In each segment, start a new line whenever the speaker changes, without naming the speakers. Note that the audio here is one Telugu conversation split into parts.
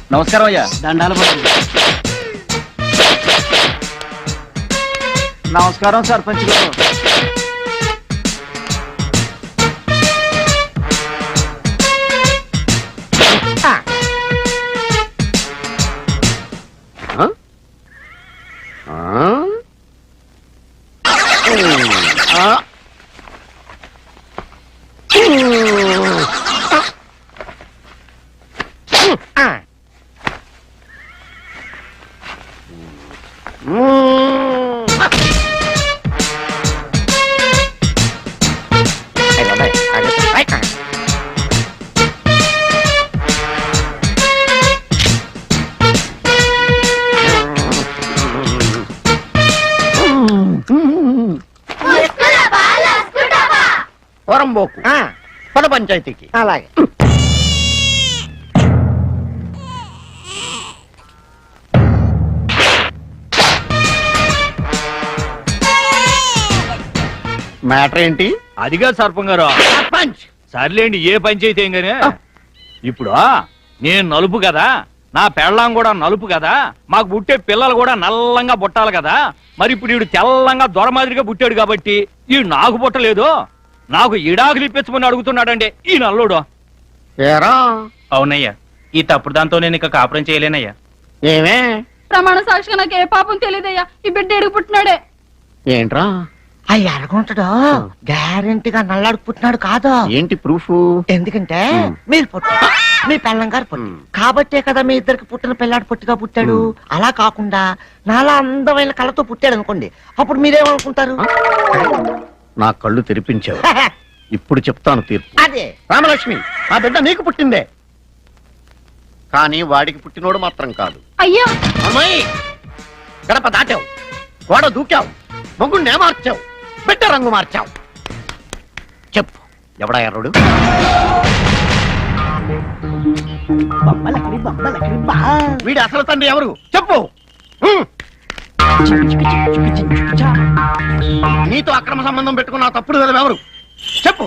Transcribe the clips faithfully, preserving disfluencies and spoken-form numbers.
నమస్కారం అయ్యా.
దండాలు నమస్కారం సర్పంచ్ గారు.
వరంబోకు పద పంచాయతీకి.
అలాగే.
మ్యాటర్ ఏంటి?
అదిగా సర్పం గారు.
సర్పంచ్
సర్లేండి, ఏ పంచాయతీ ఏం గానీ ఇప్పుడు నేను నలుపు కదా, నా పెళ్ళాం కూడా నలుపు కదా, మాకు పుట్టే పిల్లలు కూడా నల్లంగా పుట్టాలి కదా. మరి ఇప్పుడు వీడు తెల్లంగా దొరమాదిరిగా పుట్టాడు కాబట్టి ఈ నాకు పుట్టలేదు, నాకు ఇడాకులు ఇప్పించమని అడుగుతున్నాడండి ఈ నల్లుడు.
ఏరా?
అవునయ్యా, ఈ తప్పుడు దాంతో నేను ఇక కాపురం చేయలేనయ్యా.
ఏమే?
ప్రమాణ సాక్షిగా నాకు ఏ పాపం తెలియదయ్యా, ఈ బిడ్డ ఎడుగు పుట్టినాడే.
ఏంట్రా?
ఆ ఎరగుంటాడు గ్యారెంటీగా నల్లాడు పుట్టినాడు కాదు.
ఏంటి ప్రూఫ్?
ఎందుకంటే మీరు పుట్టు మీ పెళ్ళం గారు పుట్టి కాబట్టే కదా మీ ఇద్దరికి పుట్టిన పిల్లాడు పుట్టిగా పుట్టాడు. అలా కాకుండా నాలా అందమైన కళ్ళతో పుట్టాడు అనుకోండి, అప్పుడు మీరేమనుకుంటారు?
నా కళ్ళు తెరిపించావు, ఇప్పుడు చెప్తాను తీర్పు.
అదే
రామలక్ష్మి, ఆ బిడ్డ నీకు పుట్టిందే, కానీ వాడికి పుట్టినోడు మాత్రం కాదు.
అయ్యా
అమ్మాయి, గడప దాటావు, గోడ దూకావు, మొగ్గుండే మార్చావు, బిడ్డ రంగు మార్చావు. చెప్పు, ఎవడా ఎర్రుడు? వీడి అసలు తండ్రి ఎవరు? చెప్పు. నీతో అక్రమ సంబంధం పెట్టుకున్న తప్పుడు కదా ఎవరు? చెప్పు.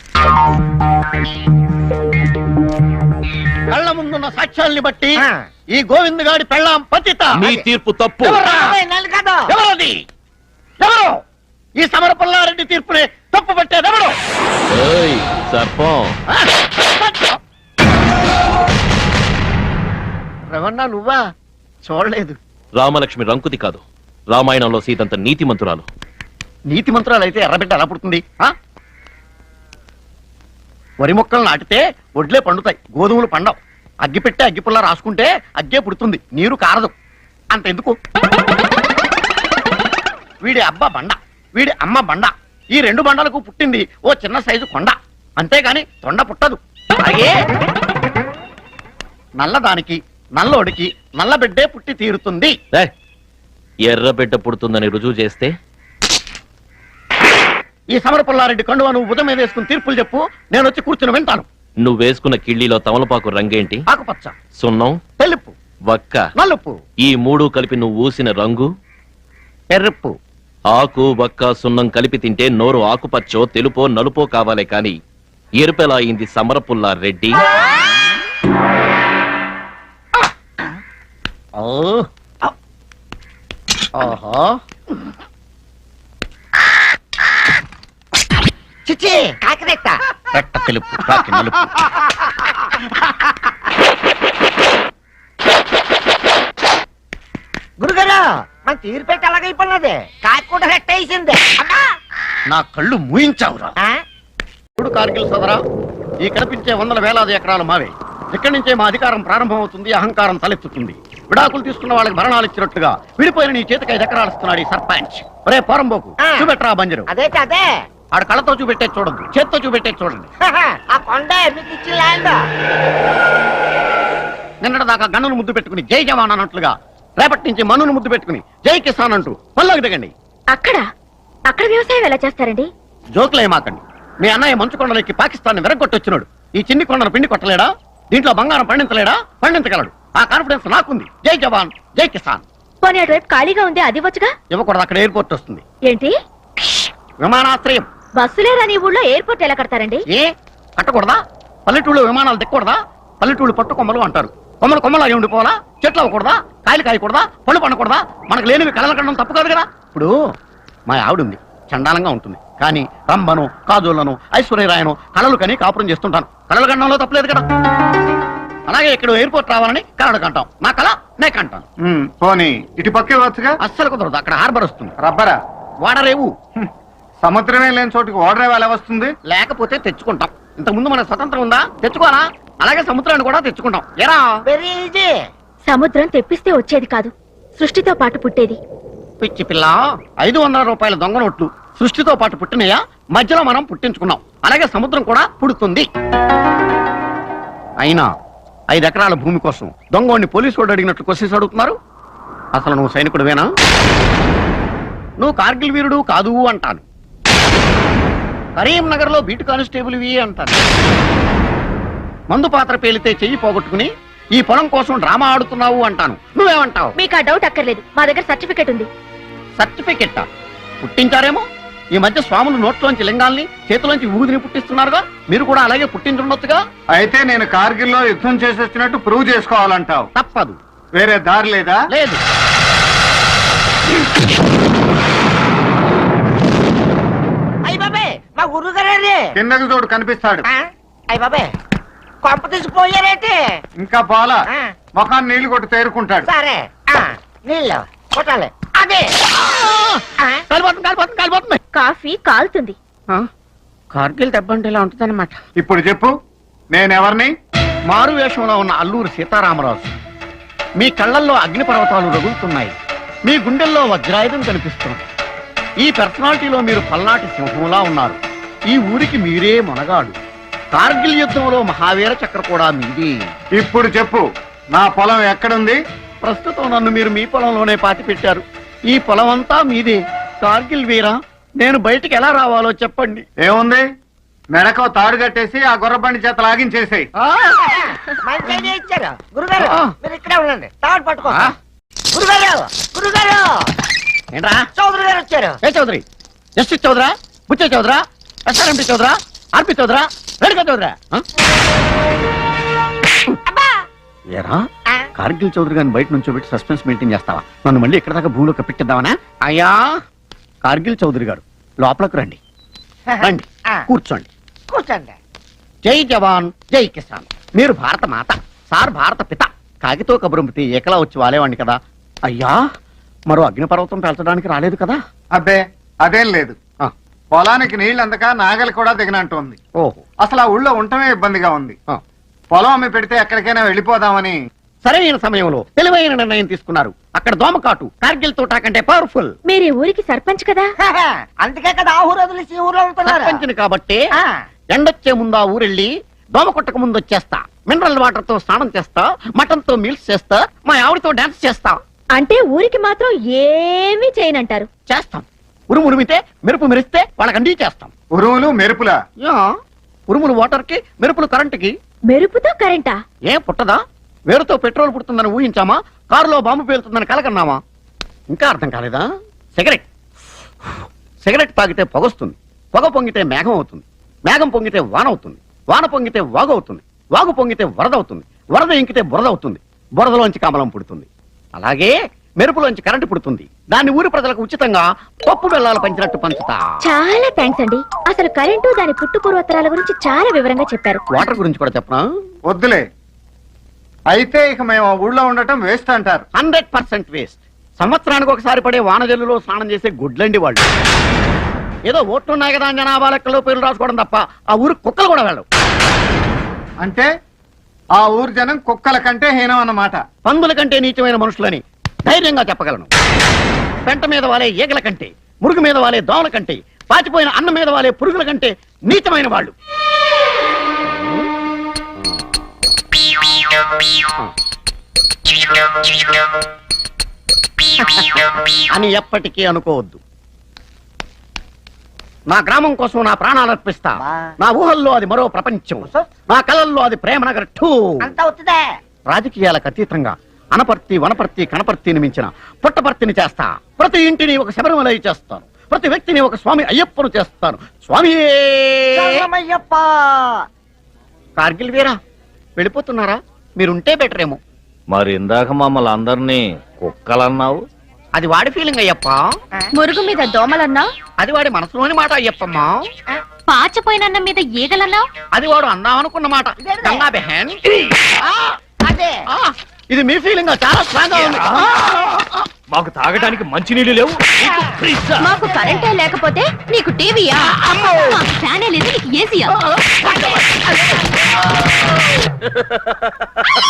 కళ్ళ ముందున్న సాక్ష్యాల్ని బట్టి ఈ గోవింద్ గాడి పెళ్ళాం పతిత.
నీ తీర్పు తప్పు.
ఎవరది? ఎవరు ఈ సమర పుల్లారెడ్డి తీర్పుని తప్పు పట్టేది? ఎవరు?
సర్పం
రవణ, నువ్వా? చూడలేదు.
రామలక్ష్మి రంకుతి కాదు, రామాయణంలో సీతంత నీతి మంతురాలు.
నీతి మంత్రాలు అయితే ఎర్రబిడ్డ ఎలా పుడుతుంది? వరి మొక్కలు నాటితే ఒడ్లే పండుతాయి, గోధుమలు పండవు. అగ్గి పెట్టే అగ్గిపుల్ల రాసుకుంటే అగ్గే పుడుతుంది, నీరు కారదు. అంతెందుకు, వీడి అబ్బ బండ, వీడి అమ్మ బండ, ఈ రెండు బండలకు పుట్టింది ఓ చిన్న సైజు కొండ, అంతేగాని తొండ పుట్టదు. అలాగే నల్లదానికి నల్లోడికి నల్ల బిడ్డే పుట్టి తీరుతుంది.
ఎర్ర బిడ్డ పుడుతుందని రుజువు చేస్తే
ఈ సమర పుల్లారెడ్డి కండువా నువ్వు ఉదయం మీద వేసుకుని తీర్పులు చెప్పు, నేను వచ్చి కూర్చుని వింటాను.
నువ్వు వేసుకున్న కిళ్ళీలో తమలపాకు రంగేంటి?
ఆకుపచ్చ,
సున్నం,
తెలుపు,
వక్క,
నలుపు.
ఈ మూడు కలిపి నువ్వు ఊసిన రంగు
ఎర్రప్పు.
ఆకు వక్క సున్నం కలిపి తింటే నోరు ఆకుపచ్చో తెలుపో నలుపో కావాలే కాని ఎరుపెలా అయింది సమరపుల్లా రెడ్డి?
చిచ్చి కాకిరెట్ట
రెట్ట తెలుపు, కాకి నలుపు.
గురుగారు మన తీరు పెట్టి అలాగైపోయినది, కాకి కూడా రెట్ట వేసింది.
నా కళ్ళు మూయించావురా. ఇప్పుడు కార్గిల్ సదరా, ఈ కనిపించే వందల వేలాది ఎకరాలు మావే. ఇక్కడి నుంచే మా అధికారం ప్రారంభం అవుతుంది, అహంకారం తలెత్తుతుంది. విడాకులు తీసుకున్న వాళ్ళకి భరణాలు ఇచ్చినట్టుగా విడిపోయిన నీ చేతికి ఐదు ఎకరాలు ఇస్తున్నాడు ఈ సర్పంచ్. ఒరే పోరంబోకు, చూపెట్టరా బంజరు.
అదే అదే
ఆడ కళ్ళతో చూపెట్టే చూడద్దు, చేత్తో చూపెట్టే చూడండి.
ఆ కొండ మీకు ఇచ్చిన ల్యాండ్.
నిన్నటి దాకా గన్నును ముద్దు పెట్టుకుని జై జవాన్ అన్నట్లుగా రేపటి నుంచి మన్నును ముద్దు పెట్టుకుని జై కిసాన్ అంటూ పల్లోకి దిగండి.
అక్కడ అక్కడ వ్యవసాయం ఎలా చేస్తారండి?
జోకులేమాకండి. మీ అన్నయ్య మంచు కొండలకి పాకిస్తాన్ విరగొట్టొచ్చినాడు. ఈ చిన్ని కొండను పిండి కొట్టలేడా? దీంట్లో బంగారం పండించలేడా? పండించగలడు. ఆ కాన్ఫిడెన్స్ నాకుంది. జై జవాన్ జై కిసాన్.
పోనీ అటువైపు ఖాళీగా ఉంది, అది వచ్చుగా.
ఇవ్వకూడదు, అక్కడ ఎయిర్పోర్ట్ వస్తుంది.
ఏంటి?
విమానాశ్రయం.
బస్సులే రాని ఊళ్ళో ఎయిర్పోర్ట్ ఎలా కడతారండి?
ఏ కట్టకూడదా? పల్లెటూళ్ళు విమానాలు దిక్కకూడదా? పల్లెటూళ్ళు పట్టుకొమ్మలు అంటారు. కొమ్మలు కొమ్మలు అయి ఉండిపోవాలా? చెట్లు అవ్వకూడదా? కాయలు కాయకూడదా? పళ్ళు పండకూడదా? మనకు లేనివి కళలు కనడం తప్పు కాదు కదా. ఇప్పుడు మా ఆవిడ ఉంది, చండాలంగా ఉంటుంది, కానీ రంభను కాజోళ్లను ఐశ్వర్యరాయను కళలు కని కాపురం చేస్తుంటాను. కళలు కనడంలో తప్పలేదు కదా. అలాగే ఇక్కడ ఎయిర్పోర్ట్ రావాలని కళలు కంటాం. నా కళ నే కంటాను.
ఉమ్, పోనీ ఇటు పక్కే వచ్చుగా.
అస్సలు కుదరదు, అక్కడ హార్బర్ వస్తుంది.
రబ్బరా
వాడరేవు.
హ్మ్. సముద్రమే లేని చోటుకి ఓడరేవు ఎలా వస్తుంది?
లేకపోతే తెచ్చుకుంటాం. ఇంతకు ముందు మన స్వతంత్రం ఉందా? తెచ్చుకోవాలా? అలాగే సముద్రాన్ని కూడా తెచ్చుకుంటాం. ఎరా
వెరీ ఈజీ.
సముద్రం తెప్పిస్తే వచ్చేది కాదు, సృష్టితో పాటు పుట్టేది.
పిచ్చి పిల్ల, ఐదు వందల రూపాయల దొంగ నోట్లు సృష్టితో పాటు పుట్టినయా? మధ్యలో మనం పుట్టించుకున్నాం. అలాగే సముద్రం కూడా పుడుతుంది. అయినా ఐదు ఎకరాల భూమి కోసం దొంగోడిని పోలీసు వాడు అడిగినట్లు క్వశ్చన్స్ అడుగుతున్నారు. అసలు నువ్వు సైనికుడివేనా? నువ్వు కార్గిల్ వీరుడు కాదు అంటాను. కరీంనగర్ లో బీటు కానిస్టేబుల్ వి అంటాను. మందు పాత్ర పేలితే చెయ్యి పోగొట్టుకుని ఈ పొలం కోసం డ్రామా ఆడుతున్నావు అంటాను. నువ్వేమంటావు?
మీకు ఆ డౌట్ అక్కర్లేదు, మా దగ్గర సర్టిఫికెట్ ఉంది.
సర్టిఫికెట్ పుట్టించారేమో. ఈ మధ్య స్వాములు నోట్లోంచి లింగాల్ని చేతిలోంచి ఊదిని పుట్టిస్తున్నారుగా, మీరు కూడా అలాగే పుట్టించుండొచ్చుగా.
అయితే నేను కార్గిల్లో యుద్ధం చేసి వచ్చినట్టు ప్రూవ్ చేసుకోవాలంటావు.
తప్పదు.
వేరే దారి లేదా?
లేదు.
అయ్య బాబే, మా గురుగారే.
కిందకి చూడు కనిపిస్తాడు.
అయ్య బాబే, కొంప తీసిపోయారేంటి?
ఇంకా పోలా,
ఆ.
ముఖాన్ని నీళ్లు కొట్టి తేరుకుంటాడు.
సరే, ఆ, నీళ్ళు కొట్టాలి. అదే ఆ,
కాలిపోతుంది కాలిపోతుంది కాలిపోతుంది.
కాఫీ కాలుతుంది.
కార్గిల్ దెబ్బ అంటే ఇలా ఉంటుందన్నమాట.
ఇప్పుడు చెప్పు, నేనెవరిని?
మారు వేషంలో ఉన్న అల్లూరు సీతారామరాజు. మీ కళ్ళల్లో అగ్నిపర్వతాలు రగులుతున్నాయి, మీ గుండెల్లో వజ్రాయుధం కనిపిస్తుంది. ఈ పర్సనాలిటీలో మీరు పల్నాటి సింహంలా ఉన్నారు. ఈ ఊరికి మీరే మొనగాడు. కార్గిల్ యుద్ధంలో మహావీర చక్ర కూడా మీది.
ఇప్పుడు చెప్పు, నా పొలం ఎక్కడుంది?
ప్రస్తుతం నన్ను మీరు మీ పొలంలోనే పాతి పెట్టారు. ఈ పొలం అంతా మీదే. కార్గిల్ వీరా, నేను బయటికి ఎలా రావాలో చెప్పండి.
ఏముంది, మెడకో తాడు కట్టేసి ఆ గుర్రబండి చేత లాగించేసేయ్.
ఆ,
మంచి ఐడియా ఇచ్చారు. గురుగారు
ఆ.
మీరు ఇక్కడే ఉండండి, తాడు పట్టుకో.
ఆ.
గురుగారు గురుగారు
ఏంట్రా?
చౌదరి గారు వచ్చారు.
ఏ చౌదరి? జస్టిస్ చౌదరా? బుచ్చే చౌదరా? ఎస్ఆర్ఎంపీ చౌదరా? ఆర్పి చౌదరా? రేణుకా చౌదరా? ఆ?
అబ్బా
ఏరా,
ఆ.
కార్గిల్ చౌదరి గారిని బయట నుంచి పెట్టి సస్పెన్స్ మెయింటైన్ చేస్తావా? నన్ను మళ్ళీ ఇక్కడ దాకా భూమిలో కప్పెట్టిద్దామనా? అయ్యా, కార్గిల్ చౌదరి గారు లోపలకు రండి. రండి,
ఆ.
కూర్చోండి.
కూర్చోండి.
జై జవాన్ జై కిసాన్. మీరు భారత మాత, సార్ భారత పిత. కాగితో కబురంపితే ఏకలా వచ్చి వాలేవాడిని కదా. అయ్యా, మరో అగ్నిపర్వతం పెంచడానికి రాలేదు కదా?
అబ్బే అదేం లేదు.
ఆ,
పొలానికి నీళ్ళు అందక నాగలి కూడా దిగనంటోంది.
ఓహో.
అసలు ఆ ఊళ్ళో ఉండటమే ఇబ్బందిగా ఉంది.
ఆ.
పొలం అమ్మి పెడితే ఎక్కడికైనా వెళ్ళిపోదామని.
సరైన సమయంలో తెలివైన నిర్ణయం తీసుకున్నారు. అక్కడ దోమకాటు కార్గిల్ తోటా కంటే పవర్ఫుల్.
మీరు ఈ ఊరికి సర్పంచ్ కదా.
అందుకే కదా ఆ ఊరు వదిలేసి ఈ ఊర్లో ఉంటున్నారు.
సర్పంచిని కాబట్టి
ఆ.
ఎండొచ్చే ముందు ఆ ఊరెళ్ళి దోమ కొట్టక ముందు వచ్చేస్తా. మినరల్ వాటర్ తో స్నానం చేస్తా, మటన్ తో మీల్స్ చేస్తా, మా ఆవిడతో డాన్స్ చేస్తా.
అంటే ఊరికి మాత్రం ఏమీ చేయనంటారు.
చేస్తాం. ఉరుము ఉరిమితే మెరుపు మెరిస్తే వాళ్ళకి అండి చేస్తాం.
ఉరువులు మెరుపులా?
యా, ఉరుములు వాటర్ కి, మెరుపులు కరెంటుకి.
మెరుపుతో కరెంటా?
ఏం పుట్టదా? వేరుతో పెట్రోల్ పుడుతుందని ఊహించామా? కారులో బాంబు పేలుతుందని కలకన్నామా? ఇంకా అర్థం కాలేదా? సిగరెట్ సిగరెట్ తాగితే పొగొస్తుంది, పొగ పొంగితే మేఘం అవుతుంది, మేఘం పొంగితే వాన అవుతుంది, వాన పొంగితే వాగు అవుతుంది, వాగు పొంగితే వరద అవుతుంది, వరద ఇంకితే బురద అవుతుంది, బురదలోంచి కమలం పుడుతుంది. అలాగే మెరుపులోంచి కరెంటు పుడుతుంది. దాన్ని ఊరి ప్రజలకు ఉచితంగా పప్పు బెల్లాలు పంచినట్టు పంచుతా.
చాలా థ్యాంక్స్ అండి. అసలు కరెంటు దాని పుట్టు పూర్వోత్తరాల గురించి చాలా వివరంగా చెప్పారు.
వాటర్ గురించి కూడా చెప్పనా?
వద్దులే. అయితే ఇక మేము ఆ ఊళ్ళో ఉండటం వేస్ట్ అంటారు.
Hundred percent waste. సంవత్సరానికి ఒకసారి పడే వానజల్లులో స్నానం చేసే గుడ్లండి వాళ్ళు. ఏదో ఓట్లున్నాయి కదా అని జనాభా లెక్కలో పేర్లు రాసుకోవడం తప్ప ఆ ఊరు కుక్కలు కూడా వెళ్ళవు.
అంటే ఆ ఊరు జనం కుక్కల కంటే హీనం అన్నమాట.
పందుల కంటే నీచమైన మనుషులని ధైర్యంగా చెప్పగలను. పెంట మీద వాలే ఈగల కంటే, మురుగు మీద వాలే దోమల కంటే, పాచిపోయిన అన్నం మీద వాలే పురుగుల కంటే నీచమైన వాళ్ళు. అని ఎప్పటికీ అనుకోవద్దు. నా గ్రామం కోసం నా ప్రాణాలు అర్పిస్తా. నా ఊహల్లో అది మరో ప్రపంచం, నా కళల్లో అది ప్రేమ నగర్ టూ.
అంతా అవుతుందే.
రాజకీయాలకు అతీతంగా అనపర్తి వనపర్తి కనపర్తిని మించిన పుట్టపర్తిని చేస్తా. ప్రతి ఇంటిని ఒక శబరిమల చేస్తాను, ప్రతి వ్యక్తిని ఒక స్వామి అయ్యప్పను చేస్తాను. స్వామి
శరణమయ్యప్ప.
కార్గిల్ వీరా, వెళ్ళిపోతున్నారా? మీరుంటే బెటర్ ఏమో.
మరి ఇందాక మమ్మల్ని అందరినీ కుక్కలన్నావు.
అది వాడి ఫీలింగ్ అయ్యప్ప.
మురుగు మీద దోమలన్నా,
అది వాడి మనసులోని మాట అయ్యప్పమ్మా.
పాచపోయినన్న మీద ఈగలన్నా.
అది వాడు అందామనుకున్న మాట గంగా బెహన్.
అదే
ఆ, ఇది మీ ఫీలింగ్ చాలా స్ట్రాంగ్ గా ఉంది.
మాకు తాగడానికి మంచినీళ్ళు లేవు. నీకు ఫ్రిజ్జా?
మాకు కరెంటే లేకపోతే నీకు టీవీయా? మాకు ఫ్యానే లేదు, నీకు ఏసీయా?